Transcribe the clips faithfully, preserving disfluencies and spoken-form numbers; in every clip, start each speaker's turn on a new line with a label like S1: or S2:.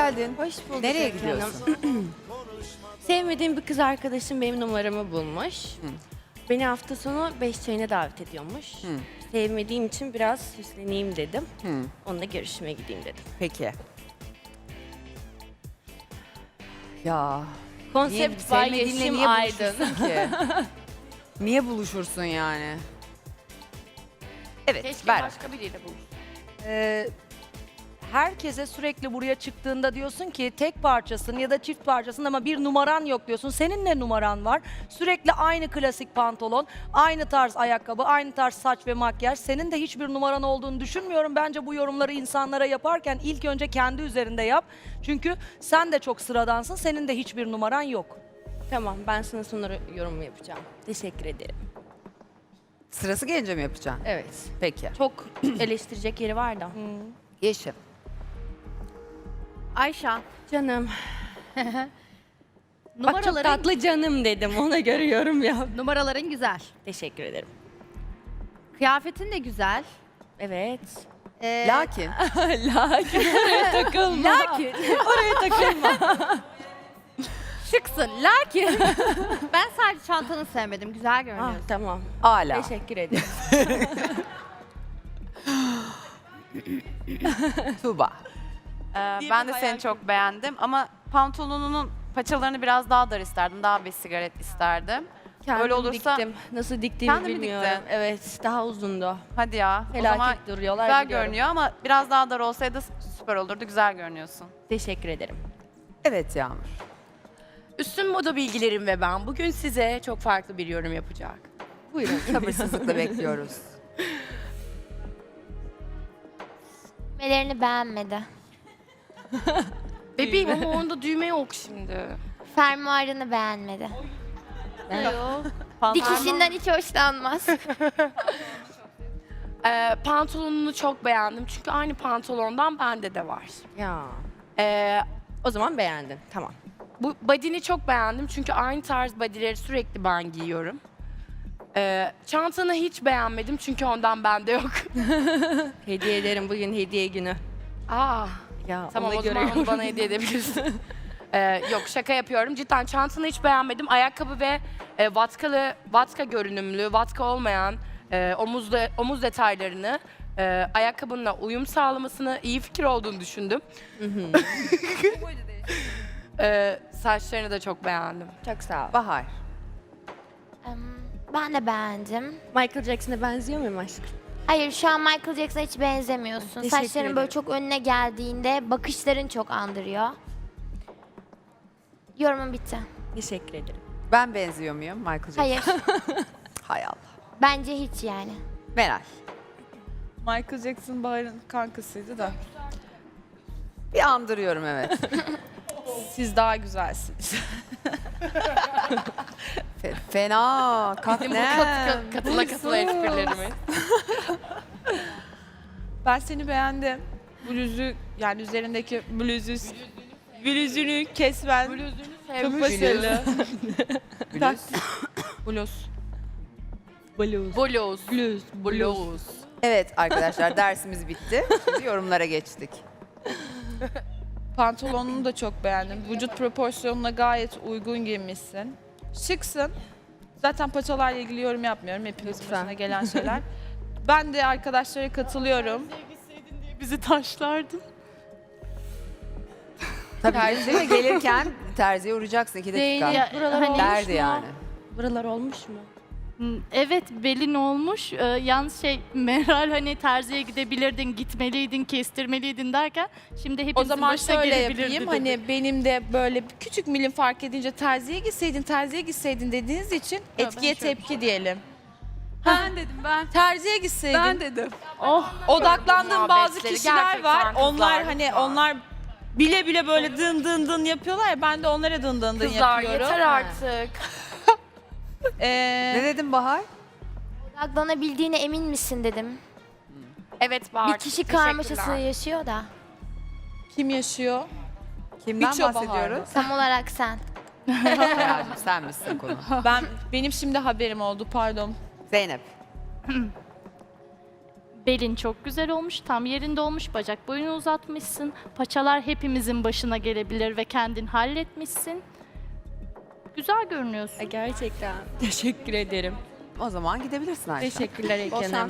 S1: geldin.
S2: Hoş bulduk.
S1: Nereye
S2: Ebru
S1: gidiyorsun?
S2: Hanım. Sevmediğim bir kız arkadaşım benim numaramı bulmuş.
S1: Hı.
S2: Beni hafta sonu beş çayına davet ediyormuş.
S1: Hı.
S2: Sevmediğim için biraz süsleneyim dedim.
S1: Hı.
S2: Onunla görüşmeye gideyim dedim.
S1: Peki. Ya.
S2: Konsept var
S1: sevmediğinle
S2: Yeşim
S1: niye
S2: Aydın.
S1: buluşursun ki? Niye buluşursun yani? Evet,
S3: Keşke
S1: ver.
S3: başka biriyle buluşsun.
S4: Ee, herkese sürekli buraya çıktığında diyorsun ki tek parçasın ya da çift parçasın ama bir numaran yok diyorsun. Senin ne numaran var? Sürekli aynı klasik pantolon, aynı tarz ayakkabı, aynı tarz saç ve makyaj. Senin de hiçbir numaran olduğunu düşünmüyorum. Bence bu yorumları insanlara yaparken ilk önce kendi üzerinde yap. Çünkü sen de çok sıradansın. Senin de hiçbir numaran yok.
S2: Tamam, ben sana sonra yorum yapacağım. Teşekkür ederim.
S1: Sırası gelince mi yapacaksın?
S2: Evet.
S1: Peki.
S2: Çok eleştirecek yeri var da.
S1: Yeşim.
S3: Ayşan,
S2: Canım. Bak çok
S3: numaraların,
S2: tatlı canım dedim. Ona göre yorum yap.
S3: numaraların güzel.
S2: Teşekkür ederim.
S3: Kıyafetin de güzel.
S2: Evet.
S3: Ee,
S1: Lakin
S2: Lakin oraya takılma.
S3: lakin
S2: Oraya takılma.
S3: şıksın. Lakin ben sadece çantanı sevmedim. Güzel
S2: Ah,
S3: görünüyorsun.
S2: tamam.
S1: ala.
S2: Teşekkür ederim.
S1: Tuğba.
S5: Ee, ben de seni çok beğendim ama pantolonunun paçalarını biraz daha dar isterdim. Daha bir sigaret isterdim.
S2: Kendim
S5: Öyle olursa-
S2: diktim. Nasıl diktiğimi
S5: Kendin mi
S2: bilmiyorum.
S5: diktin?
S2: Evet, daha uzundu.
S5: Hadi ya. O
S2: Felaket
S5: zaman
S2: duruyorlar.
S5: güzel
S2: biliyorum.
S5: görünüyor ama biraz daha dar olsaydı süper olurdu. Güzel görünüyorsun.
S2: Teşekkür ederim.
S1: Evet Yağmur.
S6: Üstün moda bilgilerim ve ben bugün size çok farklı bir yorum yapacak.
S2: Buyurun.
S1: Sabırsızlıkla bekliyoruz.
S7: Düğmelerini beğenmedi.
S6: Bebeğim ama onda düğme yok şimdi.
S7: Fermuarını beğenmedi.
S5: Pantolon-
S7: Dikişinden hiç hoşlanmaz.
S6: Ee, pantolonunu çok beğendim çünkü aynı pantolondan bende de var.
S2: Ya.
S6: Ee,
S2: O zaman beğendin. Tamam.
S6: bu body'ni çok beğendim çünkü aynı tarz body'leri sürekli ben giyiyorum. Ee, çantanı hiç beğenmedim çünkü ondan bende yok.
S2: Hediye ederim. Bugün hediye günü.
S6: Aa,
S2: Ya
S6: tamam
S2: ona
S6: o
S2: göre
S6: zaman onu
S2: yorum.
S6: bana hediye edebilirsin. Ee, yok şaka yapıyorum. Cidden çantanı hiç beğenmedim. Ayakkabı ve e, vatkalı, vatka görünümlü, vatka olmayan e, omuz, de- omuz detaylarını e, ayakkabınla uyum sağlamasını iyi fikir olduğunu düşündüm. Ee, saçlarını da çok beğendim.
S2: Çok sağ ol.
S1: Bahar.
S7: Em, ben de beğendim.
S2: Michael Jackson'a benziyor muyum aşkım?
S7: Hayır, şu an Michael Jackson'a hiç benzemiyorsun.
S2: Teşekkür
S7: Saçların böyle
S2: ederim.
S7: çok önüne geldiğinde bakışların çok andırıyor. Yorumum bitti.
S2: Teşekkür ederim.
S1: Ben benziyor muyum Michael Jackson?
S7: Hayır,
S1: Hay Allah.
S7: bence hiç yani.
S1: Meral.
S8: Michael Jackson Bahar'ın kankasıydı da.
S1: Bir andırıyorum evet.
S8: Siz daha güzelsiniz.
S1: Fe- fena. Kalk
S6: Benim bu
S1: ne?
S6: katı, katıla katıla esprilerimi.
S8: Ben seni beğendim. Bluzu yani üzerindeki bluzu bluzunu kesmen çok başarılı.
S1: Bluz.
S8: Bluz.
S2: Blues.
S6: Blues.
S2: Blues.
S6: Blues.
S1: Evet arkadaşlar dersimiz bitti. Şimdi yorumlara geçtik.
S8: Pantolonunu da çok beğendim. Vücut proporsiyonuna gayet uygun giymişsin. Şıksın. Zaten paçalarla ilgili yorum yapmıyorum. Hepimizin
S2: Lütfen.
S8: başına gelen şeyler. Ben de arkadaşlara katılıyorum. Bizi taşlardın.
S1: Tabii değil mi? Gelirken terziye uğrayacaksın iki dakika.
S3: Ya, hani-
S1: Derdi yani.
S2: Buralar olmuş mu?
S9: Hmm, Evet, belin olmuş. Ee, yalnız şey Meral hani terziye gidebilirdin, gitmeliydin, kestirmeliydin derken şimdi hepimizin
S8: O zaman
S9: başına
S8: şöyle
S9: gelebilirdi
S8: yapayım.
S9: dedi.
S8: Hani benim de böyle bir küçük milim fark edince terziye gitseydin, terziye gitseydin dediğiniz için etkiye
S9: şöyle
S8: tepki diyelim.
S3: Ben dedim ben.
S8: Terziye gitseydin.
S3: Ben dedim.
S9: Oh,
S8: Odaklandığım bazı
S6: Muhabbetleri
S8: kişiler
S6: gerçekten
S8: var.
S6: kızlar,
S8: Onlar hani
S6: lütfen.
S8: onlar bile bile böyle dın dın dın yapıyorlar ya, ben de onlara dın dın dın
S6: Kızlar
S8: yapıyorum.
S6: yeter artık.
S8: Ee,
S1: Ne dedim Bahar?
S7: Odaklanabildiğine emin misin dedim.
S6: Evet Bahar.
S7: Bir kişi
S6: teşekkürler.
S7: karmaşası yaşıyor da.
S8: kim yaşıyor?
S1: Kimden
S8: Hiç o Bahar
S1: bahsediyoruz?
S7: Tam olarak sen.
S1: Hayalcığım sen misin konu?
S8: Ben benim şimdi haberim oldu, pardon.
S1: Zeynep.
S9: Belin çok güzel olmuş, tam yerinde olmuş, bacak boyunu uzatmışsın. Paçalar hepimizin başına gelebilir ve kendin halletmişsin. Güzel görünüyorsun.
S2: Gerçekten. Teşekkür ederim.
S1: O zaman gidebilirsin Ayşe.
S2: Teşekkürler
S1: Bol
S2: Eken
S1: şans.
S2: Hanım.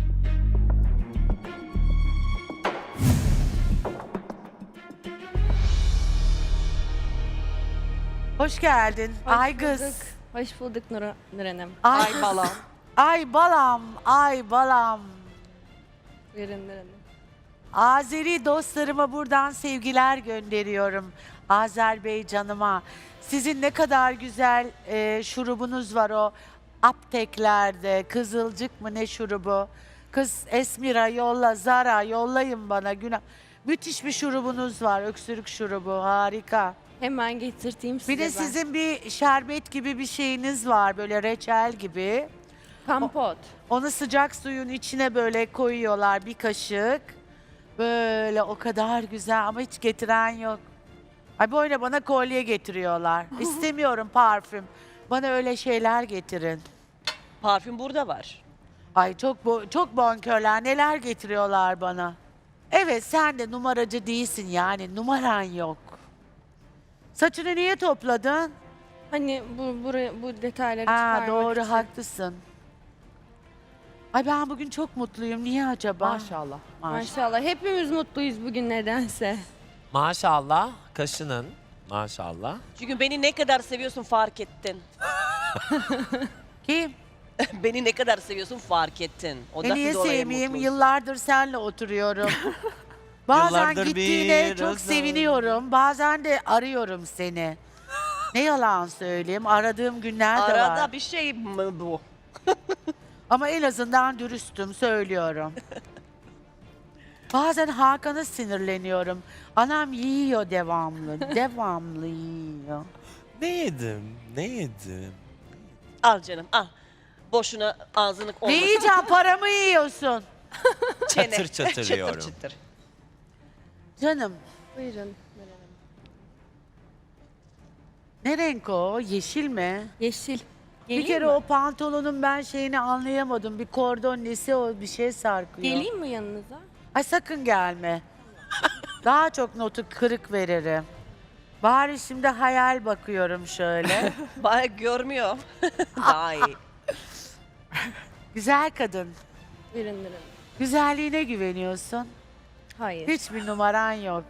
S10: Hoş geldin.
S2: Hoş
S10: ay kız.
S2: bulduk. Hoş bulduk Nur, Nur Hanım.
S10: Ay, balam. Ay balam. Ay balam.
S2: Buyurun Nur Hanım.
S10: Azeri dostlarıma buradan sevgiler gönderiyorum. Azerbaycanıma. Sizin ne kadar güzel e, şurubunuz var o apteklerde. Kızılcık mı ne şurubu? Kız Esmira yolla, Zara yollayın bana. Günah. Müthiş bir şurubunuz var. Öksürük şurubu. Harika.
S2: Hemen getirteyim size
S10: Bir de
S2: ben.
S10: sizin bir şerbet gibi bir şeyiniz var. Böyle reçel gibi.
S2: Kampot.
S10: Onu sıcak suyun içine böyle koyuyorlar bir kaşık. Böyle o kadar güzel ama hiç getiren yok. Ay böyle bana kolye getiriyorlar. İstemiyorum parfüm. Bana öyle şeyler getirin.
S11: Parfüm burada var.
S10: Ay çok bo çok bonkörler neler getiriyorlar bana. Evet sen de numaracı değilsin yani numaran yok. Saçını niye topladın?
S2: Hani bu buraya bu detayları
S10: Aa,
S2: çıkarmak
S10: doğru
S2: için.
S10: haklısın. Ay ben bugün çok mutluyum. Niye acaba?
S1: Maşallah.
S10: Maşallah.
S2: Maşallah. Hepimiz mutluyuz bugün nedense.
S12: Maşallah kaşının maşallah.
S11: Çünkü beni ne kadar seviyorsun fark ettin.
S10: Kim?
S11: Beni ne kadar seviyorsun fark ettin.
S10: E
S11: Ondan
S10: niye
S11: dolayı
S10: sevmeyeyim?
S11: mutluyum.
S10: Yıllardır seninle oturuyorum. Bazen
S12: Yıllardır
S10: gittiğine
S12: bir
S10: çok
S12: özlem.
S10: seviniyorum. Bazen de arıyorum seni. Ne yalan söyleyeyim. Aradığım günler de
S11: Arada
S10: var.
S11: bir şey mi bu?
S10: Ama en azından dürüstüm söylüyorum. Bazen Hakan'a sinirleniyorum. Anam yiyor devamlı. Devamlı yiyor.
S12: Ne yedim? Ne yedim?
S11: Al canım al. Boşuna ağzını
S10: Ne
S11: olmasın.
S10: yiyeceğim? Paramı yiyorsun.
S11: Çene.
S12: Çatır çatır yiyorum.
S11: çıtır çıtır.
S10: Canım
S2: Buyurun Nur Hanım.
S10: ne renk o? Yeşil mi?
S2: Yeşil.
S10: Bir
S2: Geleyim
S10: kere
S2: mi?
S10: o pantolonun ben şeyini anlayamadım. Bir kordon nesi o bir şey sarkıyor.
S2: Geleyim mi yanınıza?
S10: Ay sakın gelme. Daha çok notu kırık veririm. Bari şimdi hayal bakıyorum şöyle.
S11: Baya görmüyor. Daha iyi.
S10: Güzel kadın.
S2: Buyurun Nur Hanım.
S10: Güzelliğine güveniyorsun.
S2: Hayır.
S10: Hiçbir numaran yok.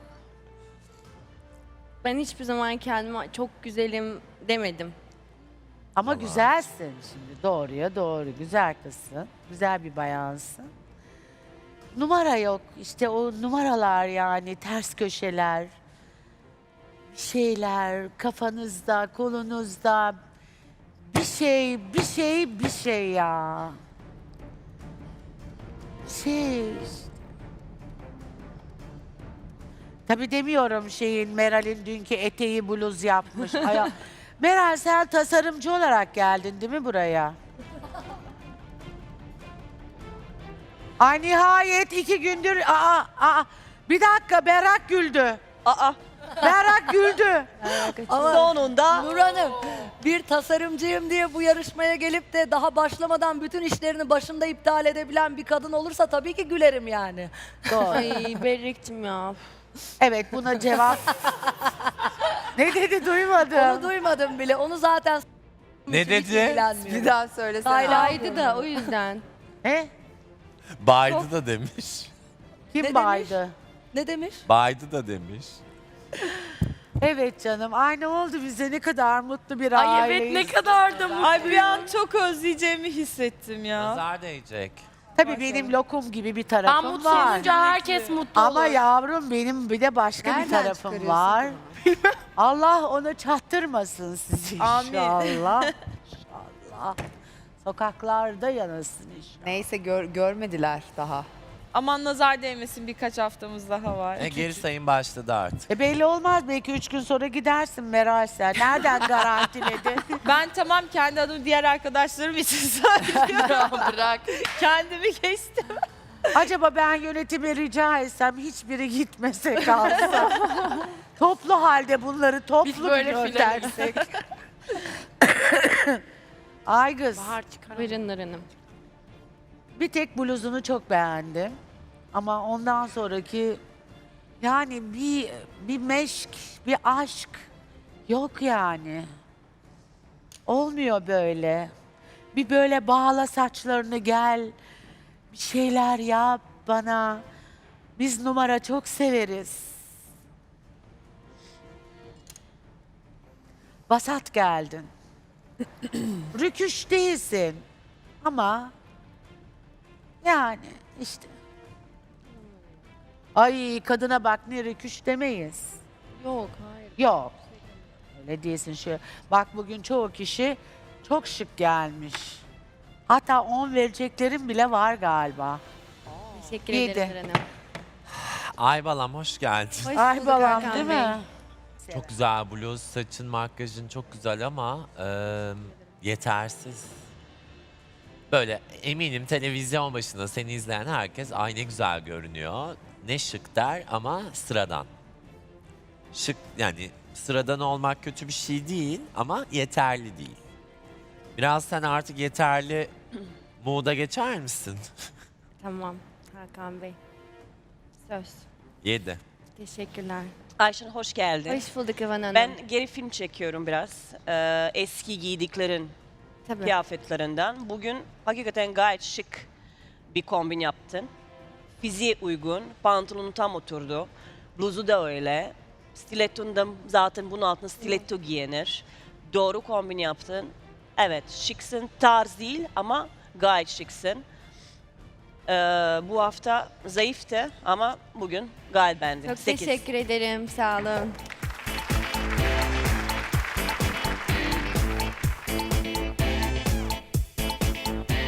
S2: Ben hiçbir zaman kendime çok güzelim demedim.
S10: Ama güzelsin şimdi. Doğruya doğru. Güzel kızsın. Güzel bir bayansın. Numara yok. İşte o numaralar yani ters köşeler. Bir şeyler kafanızda, kolunuzda. Bir şey, bir şey, bir şey ya. Şey. Tabii demiyorum şeyin Meral'in dünkü eteği bluz yapmış. Aya- Meral sen tasarımcı olarak geldin değil mi buraya? Ay nihayet iki gündür aa, aa, bir dakika Berrak güldü.
S11: Aa
S10: Berrak güldü.
S11: sonunda
S4: Nur Hanım bir tasarımcıyım diye bu yarışmaya gelip de daha başlamadan bütün işlerini başında iptal edebilen bir kadın olursa tabii ki gülerim yani.
S10: Doğru.
S2: Ay Berrek'cim ya.
S10: Evet buna cevap. Ne dedi duymadım.
S4: Onu duymadım bile. Onu zaten
S12: Ne
S4: hiç
S12: dedi?
S4: ilgilenmiyor.
S1: Bir daha söylesene.
S2: Haylaydı da o yüzden.
S10: Ne?
S12: Baydı da demiş.
S10: Kim
S4: Ne
S10: baydı?
S4: Ne demiş?
S12: Baydı da demiş.
S10: Evet canım. Ay ne oldu bize ne kadar mutlu bir
S6: Ay
S10: aileyiz.
S6: evet ne kadar da mutlu.
S8: Ay bir an çok özleyeceğimi hissettim ya.
S12: Nazar değecek.
S10: Tabii benim lokum gibi bir
S6: Ben
S10: tarafım
S6: mutlu
S10: var.
S6: olunca herkes mutlu
S10: Ama
S6: olur.
S10: yavrum benim bir de başka bir
S1: Nereden
S10: tarafım
S1: çıkarıyorsun
S10: var. Allah onu çattırmasın sizi
S8: Amin.
S10: inşallah. İnşallah. Sokaklarda yanasın inşallah.
S1: Neyse gör- görmediler daha.
S8: Aman nazar değmesin birkaç haftamız daha var.
S12: E, geri sayım başladı artık.
S10: E belli olmaz belki üç gün sonra gidersin Meral sen. Nereden garantiledin?
S8: Ben tamam kendi adımı diğer arkadaşlarım için söylüyorum.
S6: Bırak.
S8: Kendimi geçtim.
S10: Acaba ben yönetime rica etsem hiçbiri gitmese kalsa. Toplu halde bunları toplu
S6: Biz
S10: bir
S6: böyle filan.
S10: göndersek. Ay kız.
S6: Bahar çıkar.
S2: Buyurun Nur Hanım.
S10: Bir tek bluzunu çok beğendim. Ama ondan sonraki yani bir bir meşk, bir aşk yok yani. Olmuyor böyle. Bir böyle bağla saçlarını gel. Bir şeyler yap bana. Biz numara çok severiz. Vasat geldin. Rüküş değilsin. Ama yani işte. Ay kadına bak ne rüküş demeyiz.
S2: Yok hayır.
S10: Yok. Öyle değilsin şu. Bak bugün çoğu kişi çok şık gelmiş. Hatta on vereceklerim bile var galiba.
S2: Teşekkür
S10: İyiydi.
S2: ederim Eren Hanım.
S12: Ay balam hoş geldin.
S2: Hoş
S10: Ay
S2: bulduk
S10: balam
S2: Hakan
S10: değil
S2: Bey.
S10: mi?
S12: Çok güzel bluz, saçın, makyajın çok güzel ama e, yetersiz. Böyle eminim televizyon başında seni izleyen herkes ay ne güzel görünüyor. Ne şık der ama sıradan. Şık yani sıradan olmak kötü bir şey değil ama yeterli değil. Biraz sen artık yeterli mood'a geçer misin?
S2: Tamam Hakan Bey. Söz.
S12: Yedi.
S2: Teşekkürler.
S11: Ayşen hoş geldin.
S2: Hoş bulduk Evan Hanım.
S11: Ben geri film çekiyorum biraz. Ee, eski giydiklerin
S2: Tabii.
S11: kıyafetlerinden. Bugün hakikaten gayet şık bir kombin yaptın. Fiziğe uygun, pantolonun tam oturdu. Bluzu da öyle. Stiletton da zaten bunun altına stiletto giyinir. Doğru kombin yaptın. Evet, şıksın, tarz değil ama gayet şıksın. Ee, bu hafta zayıftı ama bugün gayet beğendim.
S2: Çok
S11: Sekiz.
S2: teşekkür ederim. Sağ olun.